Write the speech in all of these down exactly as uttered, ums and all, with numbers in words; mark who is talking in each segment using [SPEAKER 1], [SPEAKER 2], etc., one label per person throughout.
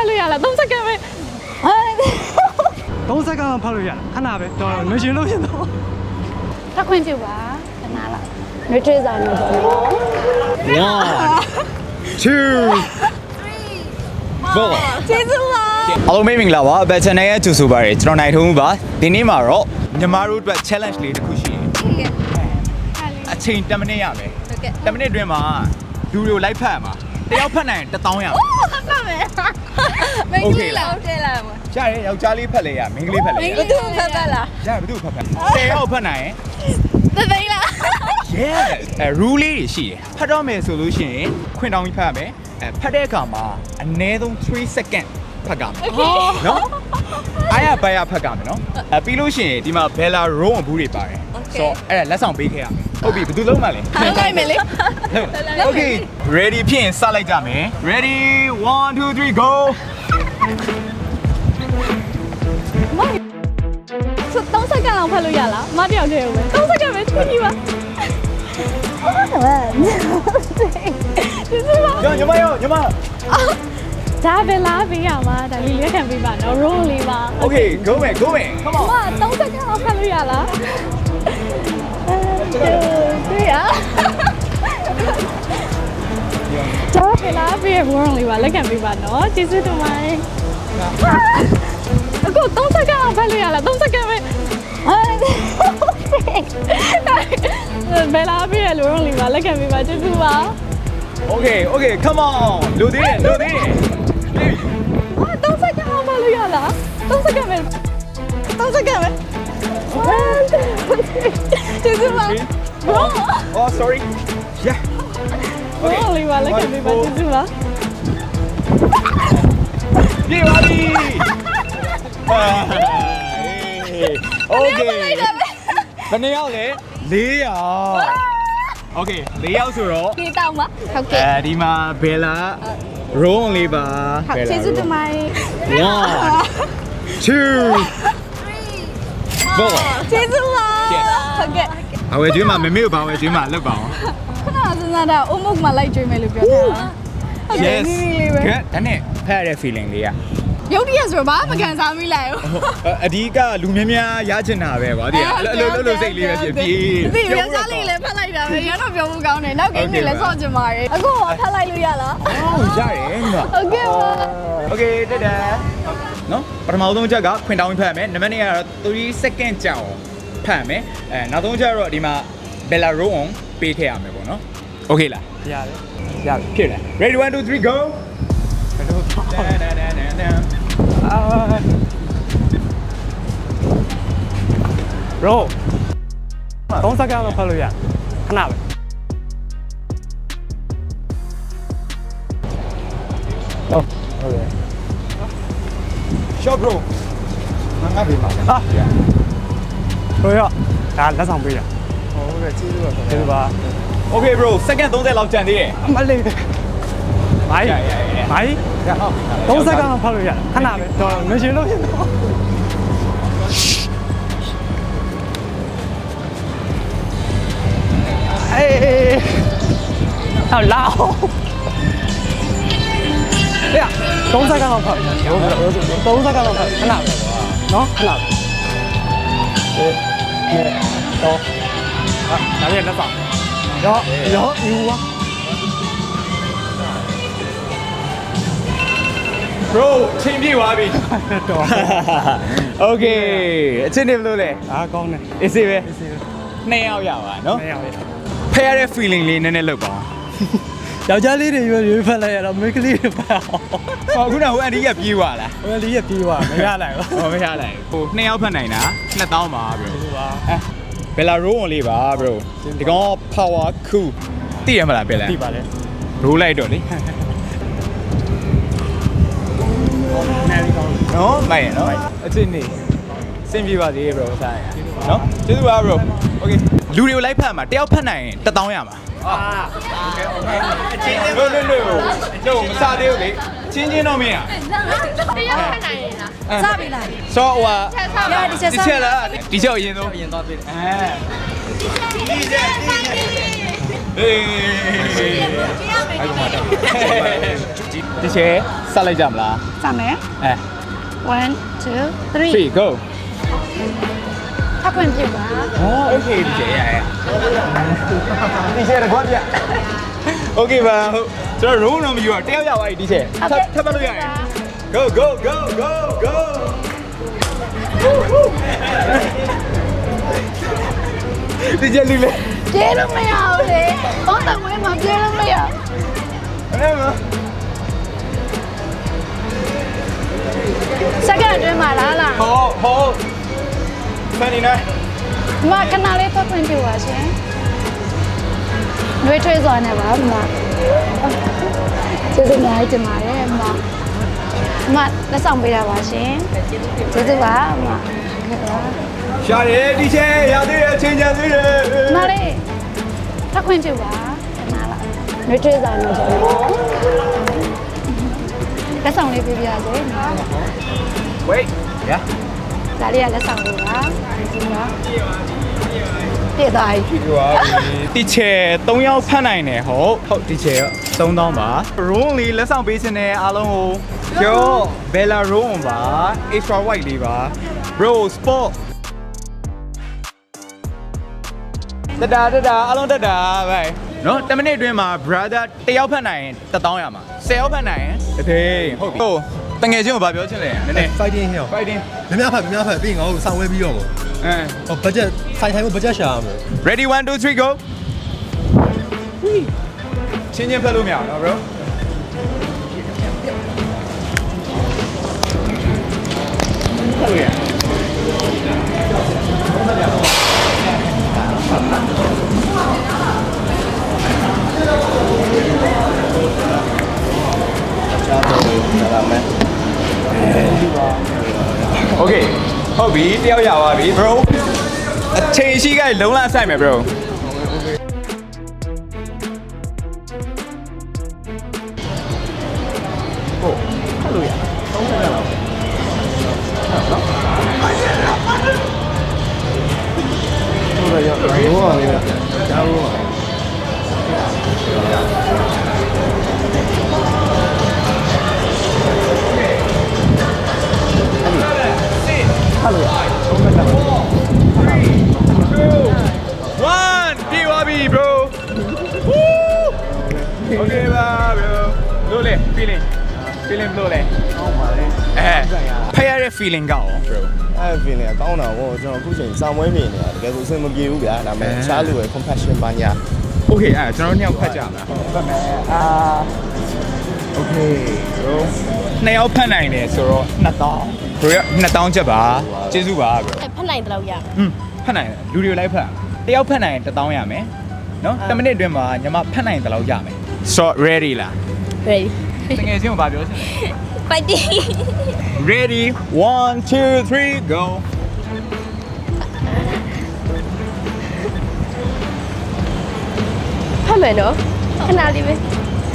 [SPEAKER 1] လို့ရလားသုံးစက္ကန့်ပဲ
[SPEAKER 2] သုံးစက္ကန့်ဖတ်လို့ရခဏပဲတော်ငွေရှင်လို့ဖြစ်တော့
[SPEAKER 1] ထပ်ခွင့်ပြုပါခဏလောက်နှွေးထွေးစာနေပေါ့နော်
[SPEAKER 3] one two four
[SPEAKER 1] ကျေးဇူးပါ
[SPEAKER 3] အားလုံးမင်္ဂလာပါဘယ် channel ရဲ့ကြိုဆိုပါရစေကျွန်တော်နိုင်ထုံးပါဒီနေ့မှာတော့ညီမတို့အတွက် challenge လေးတစ်ခုရှိတယ်အချိန်tenမိနစ်ရမယ်tenမိနစ်အတွင်းမှာလူတွေကိုလိုက်ဖတ်ရမှာတယောက်ဖတ်နိုင်ရင်တစ်သောင်းရမယ်
[SPEAKER 1] ဟုတ်ပါမယ်မင်းကြီးလောက်ထဲလာမှာ
[SPEAKER 3] ရတယ်ယောက်ျားလေးဖတ်လေရမိန်းကလေးဖတ်လေရ
[SPEAKER 1] ဘယ်သူဖတ်ဖတ်လား
[SPEAKER 3] ရတယ်ဘယ်သူဖတ်ဖတ်tenယောက်ဖတ်နိုင်ရင်
[SPEAKER 1] သသိန်းလား
[SPEAKER 3] yes အဲ rule လေးတွေရှိတယ်ဖတ်တော့မယ်ဆိုလို့ရှိရင်ခွင့်တောင်းပြီးဖတ်ရမယ်အဲဖတ်တဲ့အခါမှာအနည်းဆုံးthree secondဖတ်ကြမယ်နော်အားရပါရဖတ်ကြမယ်နော်အဲပြီးလို့ရှိရင်ဒီမှာ Bella Row ဘူးတွေပါတယ်ဆိုတော့အဲ့ဒါလက်ဆောင်ပေးခဲ့ရမယ်ဟုတ်ပြီဘယ်သူလုံးမလဲ
[SPEAKER 1] ဟုတ်လိုက်မယ်လေ
[SPEAKER 3] Okay ready ဖြစ်ရင်စလိုက်ကြမယ် ready one two three go
[SPEAKER 1] ဆိုသုံးစက္ကန့်လောက်ဖတ်လို့ရလားမတယောက်တည်းပဲသုံးစက္ကန့်ပဲချွေးကြည့်ပါဟုတ်ပါကျေးဇူးပါ
[SPEAKER 3] ညညမရောညမ
[SPEAKER 1] ဒါပဲလားပေးရမှာဒါလေးလက်ခံပေးပါနော် roll လေးပါ
[SPEAKER 3] Okay go man go man come on
[SPEAKER 1] မသုံးစက္ကန့်လောက်ဖတ်လို့ရလားတွေ့ရဒါပဲလားပေးရ roll လေးပါလက်ခံပေးပါနော်ကျေးဇူးတင်ပါတယ်အခုသုံးစက္ကန့်လောက်ဖတ်လို့ရလားသုံးစက္ကန့်ပဲဘယ်လားပေးရ roll လေးပါလက်ခံပေးပါကျေးဇူးပါ
[SPEAKER 3] Okay okay come on လူသေးတယ်လူသေးတယ်
[SPEAKER 1] ဟာသုံးစက္ကန့်လောက်ဖတ်လို့ရလားသုံးစက္ကန့်ပဲသုံးစက္ကန့်ပဲကျေးဇူးပါ
[SPEAKER 3] Oh sorry yeah
[SPEAKER 1] okay လေးပါလက်ခံပေးပါကျေးဇူးပါ
[SPEAKER 3] ပြေပါပြီ Okay ဘယ်နှစ်ယောက်လဲ၄ယောက် Okay ၄ယောက်ဆိုတော့
[SPEAKER 1] ဒီတောင်းပါဟုတ်ကဲ့
[SPEAKER 3] အဲဒီမှာ Bella Row လေးပါ
[SPEAKER 1] Bella ကျေးဇူးတင်ပါတယ်
[SPEAKER 3] one two three four
[SPEAKER 1] ကျေးဇူးပါဟုတ်ကဲ့
[SPEAKER 3] အဝယ်ကျွေးမှာမမေကိုဘာဝယ်ကျွေးမှာလောက်ပါအောင်
[SPEAKER 1] ခဏစဉ်းစားတာအုံမုတ်မှာလိုက်ကျွေးမယ်လို့ပြောတာဟုတ်ကဲ့နီးနီးလေးပဲ
[SPEAKER 3] ကဲဒါနဲ့ဖတ်ရတဲ့ feeling လေးက
[SPEAKER 1] ရုပ်တရက်ဆိုတော့ဘာမှမခံစားမိလိုက်ဘူး
[SPEAKER 3] အဓိကလူများများရချင်တာပဲကွာဒီအလိုလိုလိုစိတ်လေးပဲဖြစ်ပြီး
[SPEAKER 1] ဒီယောက်ျားလေးလည်းဖတ်လိုက်တာပဲရတော့ပြောမှုကောင်းတယ်နောက်ကိန်းတွေလည်းဆော့ချင်ပါတယ်အခုကဖတ်လိုက်လို့ရလား
[SPEAKER 3] ဟုတ်ရတယ်ညီမ
[SPEAKER 1] ဟုတ်ကဲ့ပါ
[SPEAKER 3] Okay တက်တယ်နော်ပထမဆုံးချက်ကခွင်တောင်းဖတ်ရမယ်နံပါတ်နှစ်ကတော့three second ကြာအောင်ဖတ်ရမယ်အဲနောက်ဆုံးချက်တော့ဒီမှာ Bella Row on ပေးခဲ့ရမယ်ပေါ့နော် Okay လား
[SPEAKER 2] ရတယ်
[SPEAKER 3] ရတယ်ဖြစ်တယ် Ready one two three go
[SPEAKER 2] အာရောသုံးစက္ကန့်လောက်ဖတ်လို့ရခဏပဲဟုတ်ဟုတ်ကဲ့
[SPEAKER 3] Short bro ငါငါပေးပါ
[SPEAKER 2] ဟာဘယ်ရောဒါလက်ဆောင်ပေးတာ
[SPEAKER 3] ဟုတ်ကဲ့ကျေးဇူးပါ
[SPEAKER 2] ကျေးဇူးပါ
[SPEAKER 3] Okay bro second thirtyလောက်ကြံသေးတယ်
[SPEAKER 2] အမလေးမိုင်းမိုင်းသုံးစက္ကန့်လောက်ဖတ်လို့ရခဏပဲတော်ငွေရှင်လို့ဖြစ်တော့အေးဟောလာရသုံးစက္ကန့်လောက်ဖတ်သုံးစက္ကန့်လောက်ဖတ်ခဏပဲနော်ခဏပဲအေးတော့ဟာဒါလည်းလက်ဆောင်ရောရောယူပါ
[SPEAKER 3] bro ချင်းပြေးသွားပြီ
[SPEAKER 2] တော်
[SPEAKER 3] Okay အချင်းနေဘလို့လဲ
[SPEAKER 2] အားကောင်းတယ်
[SPEAKER 3] easy ပဲနှစ်ယောက်ရပါနော်
[SPEAKER 2] နှစ်ယောက်ရ
[SPEAKER 3] ဖဲရတဲ့ feeling လေးနည်းနည်းလောက်ပါ
[SPEAKER 2] ယောက်ျားလေးတွေရွေးရွေးဖက်လိုက်ရတော့မိန်းကလေးတွေဖက်အောင်
[SPEAKER 3] ဟောခုနကဟိုအန်တီကပြေးသွားလား
[SPEAKER 2] ဟိုအန်တီကပြေးသွားမရနိုင်ဘူး
[SPEAKER 3] ဟောမရနိုင်ဟိုနှစ်ယောက်ဖက်နိုင်တာနှစ်သောင်းပါ bro
[SPEAKER 2] ဟုတ်ပါ
[SPEAKER 3] အဲ Bella Row လေးပါ bro ဒီကောင် power cool သိရမလား Bella
[SPEAKER 2] သိပါလေ
[SPEAKER 3] roll လိုက်တော့လေနော်မိုင်နော်အချင်းနေစင်ပြေပါသေး bro ဆိုင်နော်ကျေးဇူးပါ bro okay လူတွေကိုလိုက်ဖတ်မှာတယောက်ဖတ်နိုင်ရင်တစ်သောင်းရမှာအာโอเคโอเคအချင်းချင်းလို့လို့လို့တော့မစားသေးဘူးလေချင်းချင်းတော့မင်းอ่ะ
[SPEAKER 1] တယောက်ဖတ်နိုင်ရင်လားစပြီလား
[SPEAKER 3] ဆိုတော့ဟိုဟာ
[SPEAKER 1] ဒီချက်
[SPEAKER 3] ဒီချက်လားဒီချက်အရင်ဆုံး
[SPEAKER 2] အရင်သွားပြီအဲ
[SPEAKER 3] ဒီချက်ဒီချက်ဟေးဒီချက်ဆက်လိုက်ကြမလား
[SPEAKER 1] စမယ်
[SPEAKER 3] အဲ
[SPEAKER 1] one two three
[SPEAKER 3] three go
[SPEAKER 1] ထပ်ခွင့်ပြုပါ
[SPEAKER 3] อ๋อโอเคဒီကျေရရဒီကျေရကွာပြ Okay ပါဟုတ်ကျွန်တော် roll တော့မယူတော့တယောက်ရောက်သွားပြီဒီကျေထပ်ထပ်ပတ်လို့ရတယ် go go go go go ဒီကျေလူလေ
[SPEAKER 1] ပြေးလို့မရဘူးလေသုံးတဝဲမှာပြေးလို့မရ
[SPEAKER 3] အဲ့မ
[SPEAKER 1] စက္ကန့်အတွင်းမှာလားလား
[SPEAKER 3] ဟောဟောဖန်နေနေ
[SPEAKER 1] ဒီမှာခဏလေးထွက်ခွင့်ပြုပါရှင်နှွေးထွေးစွာနဲ့ပါဒီမှာကျေးဇူးများကြီးတင်ပါတယ်အမအမလက်ဆောင်ပေးတာပါရှင်ကျေးဇူးပါအမဟုတ်ကဲ့ပါ
[SPEAKER 3] ရှာတယ်ဒီကျေရသေးတယ်အချိန်ချန်သေးတယ်
[SPEAKER 1] မလေးထွက်ခွင့်ပြုပါခဏလားနှွေးထွေးစွာနဲ့ကျွန်တော်လက်ဆောင်လေးပေးပြရစေ
[SPEAKER 3] wait yeah
[SPEAKER 1] ဒါလေးကလက်ဆောင်လေးပါကျေးဇူးပါတည့်သွားပြီ
[SPEAKER 3] ဒီပါဒီချေ၃ယောက်ဖတ်နိုင်တယ်ဟုတ်ဟုတ်ဒီချေသုံးသောင်းပါ roll လေးလက်ဆောင်ပေးခြင်းနဲ့အားလုံးကိုကျော် Bella roll ပါ extra white လေးပါ bro sport တတာတတာအားလုံးတတာပဲနော်tenမိနစ်အတွင်းမှာ brother တယောက်ဖတ်နိုင်ရင်တစ်သောင်းရမှာဆယ်ယောက်ဖတ်နိုင်ရင်တစ်သိန်းဟုတ်ပြီဟုတ်တငယ်ချင်းကိုဗာပြောချင်လဲနည်းနည်း
[SPEAKER 4] fighting ဟဲ့
[SPEAKER 3] fighting
[SPEAKER 4] များများဖတ်များဖတ်ပြီးငါ့ကိုစောင့်ဝဲပြီးတော့ပေါ့
[SPEAKER 3] အဲ
[SPEAKER 4] ဟော budget ဆိုင်ထိုင်ဖို့ budget ရှာရမယ်
[SPEAKER 3] ready one two three go ချင်းချင်းဖတ်လို့မရဘူးနော် bro ဖတ်လို့ရ Okay ဟုတ်ပြီတယောက်ရပါပြီ bro အချိန်ရှိကလုံးလာဆိုင်မယ် bro ဟုတ်ဖတ်လို့ရသုံးချက်လောက်ဟုတ်ရရောရောပါလေကြားလို့One, be wabi, bro. Woo! Okay, bro. Lole, feeling, feeling lole. Oh my. Eh, pay your feeling ကော bro.
[SPEAKER 4] အဲ့ feeling ကောင်းတာဗောကျွန်တော်အခုချိန်စောင့်ဝဲနေနေတာတကယ်ဆိုအဆင်မပြေဘူးဗျာဒါပေမဲ့ရှားလို့ပဲ compassion ပါညာ
[SPEAKER 3] Okay, အဲ့ကျွန်တော်တို့နှစ်ယောက်ဖတ်ကြမလားဟုတ်ဖတ်မယ်အာ Okay, bro. နှစ်ယောက်ဖတ်နိုင်တယ်ဆိုတော့နှစ်သောင်း bro ရနှစ်သောင်းချက်ပါကျေးဇူးပါ bro.
[SPEAKER 1] ဖတ်နိုင်တယ်လို့ရ
[SPEAKER 3] อืมဖတ်နိုင်တယ်လူတွေကိုလိုက်ဖတ်တယောက်ဖတ်နိုင်ရင်တစ်သောင်းရမယ်နော်tenမိနစ်အတွင်းမှာညီမဖတ်နိုင်တယ်လို့ရမယ် so ready လား
[SPEAKER 1] ready
[SPEAKER 3] တကယ်ချင်းကိုဗာပြောချင်တယ်
[SPEAKER 1] fighting
[SPEAKER 3] ready one two three go
[SPEAKER 1] ဖတ်မယ်နော်ခဏလေးပဲ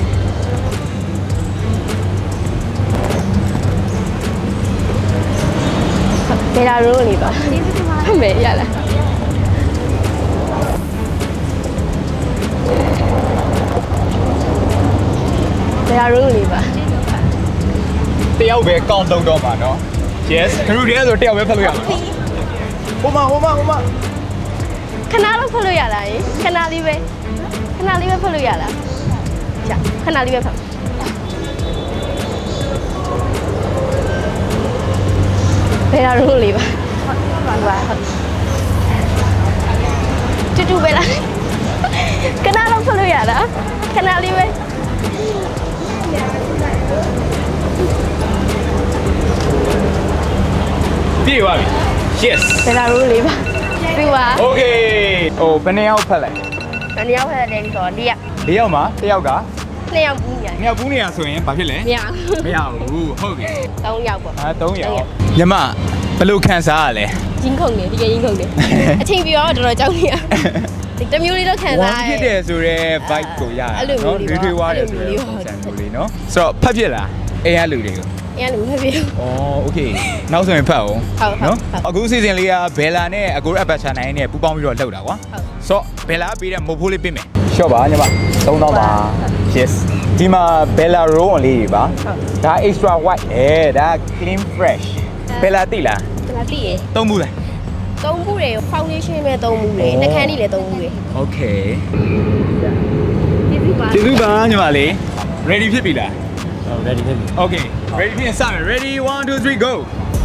[SPEAKER 1] ဘယ်လာရိုးလေးပါဖတ်မယ်ရလားဘယ်လာရိုးလေးပါ
[SPEAKER 3] တယောက်ပဲကောင်းတော့တော့မှာနော် yes ခရူတွေကဆိုတယောက်ပဲဖတ်လို့ရမှာဟိုမှာဟိုမှာဟိုမှာ
[SPEAKER 1] ခဏလောက်ဖတ်လို့ရလားခဏလေးပဲခဏလေးပဲဖတ်လို့ရလားကြာခဏလေးပဲဖတ်ဘယ်လာရိုးလေးပါဟုတ်ပါဟုတ်တူတူပဲလားခဏလောက်ဖတ်လို့ရလားခဏလေးပဲ
[SPEAKER 3] ပြေးသွားပြီ yes
[SPEAKER 1] ဘယ်လာရိုးလေးပါပြပါ
[SPEAKER 3] okay ဟိုဘယ်နှစ်ယောက်ဖတ်လိုက်
[SPEAKER 1] ဘယ်နှစ်ယောက်ဖတ်တယ်ဆိုတော့ဒီက
[SPEAKER 3] ၄ယောက်မှာတစ်ယောက်က
[SPEAKER 1] နှစ်ယောက်ဘူးညာ
[SPEAKER 3] နှစ်ယောက်ဘူးနေရဆိုရင်ဘာဖြစ်လဲ
[SPEAKER 1] မရ
[SPEAKER 3] မရဘူးဟုတ်ပြီ
[SPEAKER 1] သုံးယောက်ပေါ့
[SPEAKER 3] အဲသုံးယောက်ညီမဘယ်လိုခံစားရလဲ
[SPEAKER 1] ရင်းခုန်နေဒီကရင်းခုန်နေအချိန်ပြီးတော့တော်တော်ကြောက်နေရဒီတမျိုးလေးတော့ခံစား
[SPEAKER 3] ဝမ်းဖြစ်တယ်ဆိုတော့ vibe ကိုရတယ်
[SPEAKER 1] အဲ့လိုမျိုး
[SPEAKER 3] နော်
[SPEAKER 1] လေး
[SPEAKER 3] တွေး
[SPEAKER 1] ပါ
[SPEAKER 3] တွေးွားတယ်ဆို
[SPEAKER 1] အဲ့လိုမျိုး
[SPEAKER 3] တော့
[SPEAKER 1] လေးပါ
[SPEAKER 3] ပုံစံမျိုးလေးနော်ဆိုတော့ဖတ်ဖြစ်လားအဲရလူတွေကို
[SPEAKER 1] အရင်ကမဖြစ်ဘူး
[SPEAKER 3] อ๋อโอเคနောက်ဆိုရင်ဖတ်အောင်
[SPEAKER 1] ဟုတ်ဟုတ်
[SPEAKER 3] နော်
[SPEAKER 1] ဟုတ်
[SPEAKER 3] အခုစီစဉ်လေးကဘယ်လာနဲ့အကိုရအပတ်ချာနိုင်နဲ့ပူပေါင်းပြီးတော့လှုပ်တာကွာ
[SPEAKER 1] ဟုတ်
[SPEAKER 3] ဆိုတော့ဘယ်လာပေးတဲ့မို့ဖိုးလေးပေးမယ်ရှော့ပါညီမသုံးသောင်းပါ yes ဒီမှာ Bella roll on လေးတွေပါဒါ extra white အဲဒါ clean fresh Bella တိလား
[SPEAKER 5] ဒါလားသိရယ်
[SPEAKER 3] သုံးဘူးလား
[SPEAKER 5] သုံးဘူးတယ် foundation ပဲသုံးဘူးတယ်နှာခမ်းလေးလည်းသုံးဘူးတယ်
[SPEAKER 3] Okay
[SPEAKER 5] ဒီပြီပါ
[SPEAKER 3] ကျေးဇူးပါညီမလေး ready ဖြစ်ပြီလား
[SPEAKER 2] ဟုတ် ready ဖြစ်ပြီ
[SPEAKER 3] Okay ready ဖြစ်ရင်စမယ် ready one two three go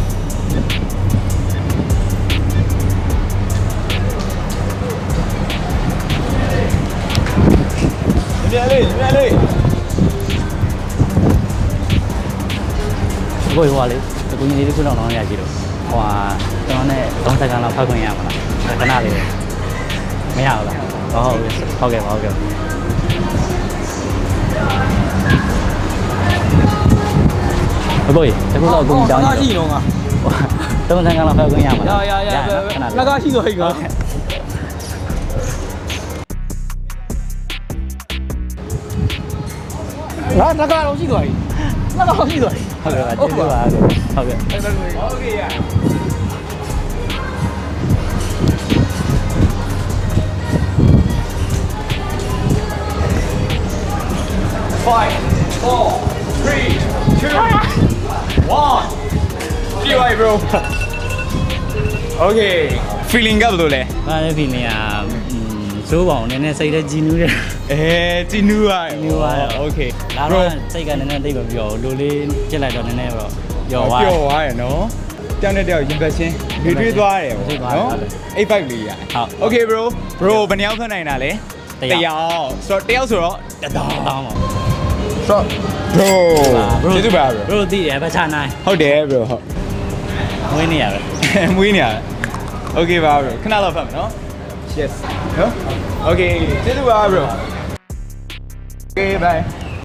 [SPEAKER 3] ညီမလေးညီမလေး
[SPEAKER 2] ကိုယ်ဟိုကလေကိုကြီးလေးခုလောက်တော့ရကြည့်တော့ဟိုဟာကျွန်တော်နဲ့သုံးစက္ကန့်လောက်ဖောက်ခွင့်ရမှာလားခဏလေးမရဘူးလားဟုတ်ဟုတ်ကဲ့ဟုတ်ကဲ့ဘယ်တကူတော့ကိုကြီးတောင်းကြည့်တော့ငါသုံးစက္ကန့်လောက်ဖောက်ခွင့်ရမှာလားရရရလက်ကရှိတော့ဟိကောငါလက်ကတော့ရှိသွားပြီလက်ကတော့ရှိသွားပြီဟုတ်ကဲ့ဟုတ်ကဲ့ဟုတ်ကဲ့ဟုတ်ကဲ့
[SPEAKER 3] Okay yeah five four three two one ကြည့်ပါ bro Okay feeling ကဘယ်လိုလဲ
[SPEAKER 2] ဘာလဲဒီနေရာစိုးပေါင်နည်းနည်းစိတ်ထဲကြည်နူးတယ်
[SPEAKER 3] အဲတီနူးရ
[SPEAKER 2] နူးသွားတယ်
[SPEAKER 3] Okay
[SPEAKER 2] ဒါတော့စိတ်ကနည်းနည်းသိပ်မပြောဘူးလူလေးပြစ်လိုက်တော့နည်းနည်းတော့ပျော်သွား
[SPEAKER 3] ပျော်သွားရယ်နော်တောင်းတဲ့တောက်ရင်ပတ်ချင်းတွေးတွေးသွားတယ်ပေါ့နော်အိတ်ပိုက်လေးရ
[SPEAKER 2] ဟုတ်
[SPEAKER 3] Okay bro bro ဘယ်နှယောက်ထွက်နိုင်တာလဲ
[SPEAKER 2] တစ်ယောက်
[SPEAKER 3] က်ဆိုတော့တစ်ယောက်ဆိုတော့တစ်တောင်း
[SPEAKER 2] တောင်းပါ
[SPEAKER 3] ဆိုတော့ bro ကျေးဇူးပါ bro
[SPEAKER 2] ဘရိုတီးရပချနိုင်
[SPEAKER 3] ဟုတ်တယ် bro ဟုတ်
[SPEAKER 2] ဝင်းနေရပဲ
[SPEAKER 3] မွေးနေရတယ် Okay ပါ bro ခဏလောက်ဖတ်မယ်နော် Yes နော် Okay ကျေးဇူးပါ bro Okay bye